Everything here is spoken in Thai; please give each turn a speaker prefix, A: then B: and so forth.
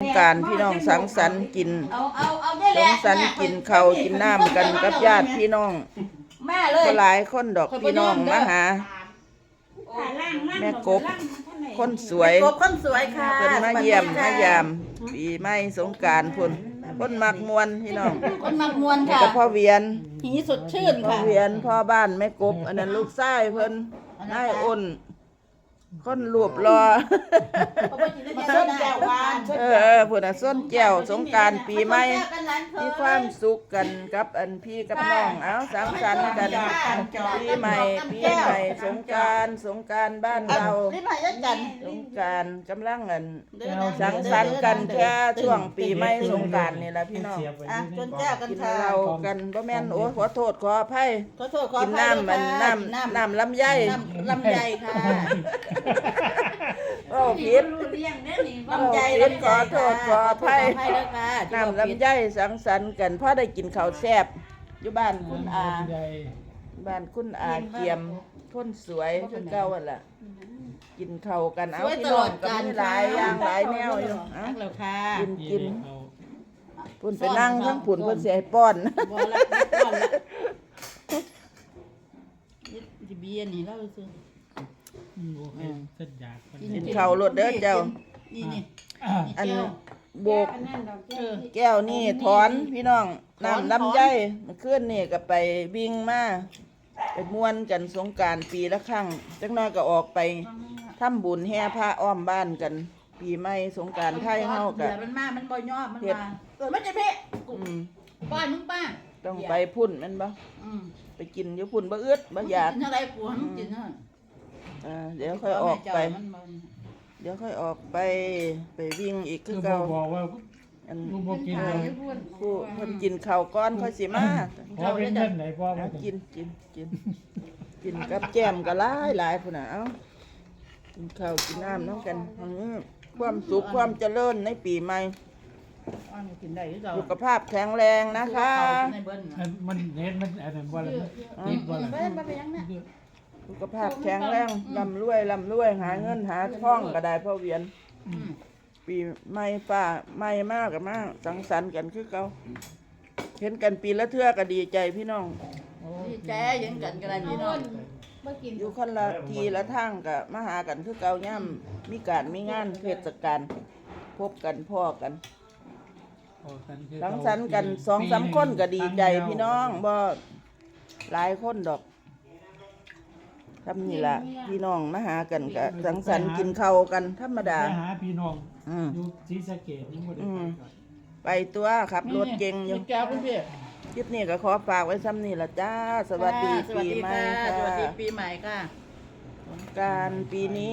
A: กรานต์พี่น้องสังสรรค์กิน
B: เอาได้
A: สั
B: แหละ
A: งสรรค์กินข้าวกินน้ำกันกับญาติพี่น้อง
B: แม่เลย
A: ก็หลายคนดอกพี่น้องมาหา แม่กบคนสวย
B: กบคนสวยค่ะ
A: เพิ่นมาเยี่ยมมายามปีใหม่สงกรานต์พุ่นคนมักมวนพี่น้อง
B: คนมักมวน
A: นี่
B: ค่ะ
A: ก็พ่อเวียน
B: หีสดชื่น
A: พ่อ
B: ค่ะ
A: เวียนพ่อบ้านแม่กบ อันนั้นลูกชายเพิ่นนายอ้นคนรูปรอ
B: มาส้นแก้วหวาน
A: พุ่นน่ะส้นแก้วสงกรานต์ปีใหม่มีความสุขกันกับอันพี่กับน้องเอาสังสรรค์กันปีใหม่สงกรานต์บ้านเรา
B: รีบมายัดกัน
A: สงกรานต์กำลังอันสังสรรค์กันแค่ช่วงปีใหม่สงกรานต์นี่ล่ะพี่น้อง
B: อ่ะจนแก้วกัน
A: กิน
B: ค่ะ
A: เหล้ากันบ่แม่นโอ้ขอโทษขออภัย
B: ขอโทษขอ
A: กิน
B: อภัย
A: น้ำมันน้ำลำไย
B: ลำไยค่ะ
A: โอ้ผิด
B: ลำไย
A: ขอโทษขออภัย
B: ด้วยค่ะ
A: น้ำลำไยสังสรรค์กันพอได้กินข้าวแซ่บอยู่บ้านคุณอาบ้านคุณอาเกียมคนสวยคือเก่าหั่นล่ะกินข้าวกันเอาพี่น้องกันหลายอย่างหลายแนวอยู่เอ้า
B: นักแล้วค่ะ
A: กินพุ่นไปนั่งทั้งพุ่นเพิ่นสิให้ป้อน
B: บ่ละบ่ละนี่เบียร์นี่เราซื้อ
C: โอเคสัญญาณ
A: กินข้าวรถเด้อเจ้า
B: นี่นี่
A: อันโบก
B: เออ
A: แก้วนี่ถอนพี่น้องน้ำลำไยเมื่อคืนนี่ก็ไปวิ่งมาไปม่วนกันสงกรานต์ปีละครั้งจักหน้อยก็ออกไปทำบุญแห่พระอ้อมบ้านกัน ปีใหม่สงกรานต์ไทยเฮากั
B: เดี๋ยวมันมามันบ่ยอมมันมามันจะเพ่ป้อนมึงป้า
A: ต้องไปพุ่นแม่นบ่ไปกินอยู่พุ่นบ่อึดบ่อยาก
B: กินอะไรกูมึงกินเนาะ
A: เดี๋ยวค่อยออกไป เดี๋ยวค่อยออกไปวิ่งอีก
C: คื
A: คือ อ
C: เขา
A: เก่า
C: บอกว่า
A: อัน
C: ลูกบอกกินเลย
A: ผู้เพิ่นกินข้าวก้อนค่อยสิมา
C: พอเป็นเงินไหนพ่อ
A: เอา
C: มา
A: กินกับแก้มก็หลายพุ่นน่ะเอ้ากินข้าวกินน้ำน้องกันความสุขความเจริญในปีใหม่
B: กินได้หรือเปล่า
A: สุขภาพแข็งแรงนะคะ
C: มันเน้นมันอะไรว่าอะไรติดว่าอะไร
A: สุขภาพแข็งแรงร่ำรวยหาเงินหาทองก็ได้พ่อเวียน ปีใหม่ฟ้าใหม่มากกับมากสังสรรค์กันคือเก่าเห็นกันปีละเทื่อก็ดีใจพี่น้อง
B: ดีใจยังกันกันอะไรพี่น้อง
A: อยู่คนละทีละทางก็มาหากันคือเก่าย่ำมีการมีงานเทศกาลพบกันพ่อกันสังสรรค์กัน2-3คนก็ดีใจพี่น้องบ่หลายคนดอกทำนี่ล่ะพี่น้องมาหากันก็สังสรรค์กินข้าวกันธรรมดา
C: หาพี่น้องอยู่ศรีสะเกษยังบ่ได้
A: ไปตัวขับรถเก่งอยู่
B: แก้วเพื่อน
A: คลิปนี้ก็ขอฝากไว้ซ้ำนี่ละจ้า สวัสดีปีใหม่
B: สวัสดี
A: ค่ะ
B: ปีใหม่ค่ะ
A: สงกรานต์ปีนี้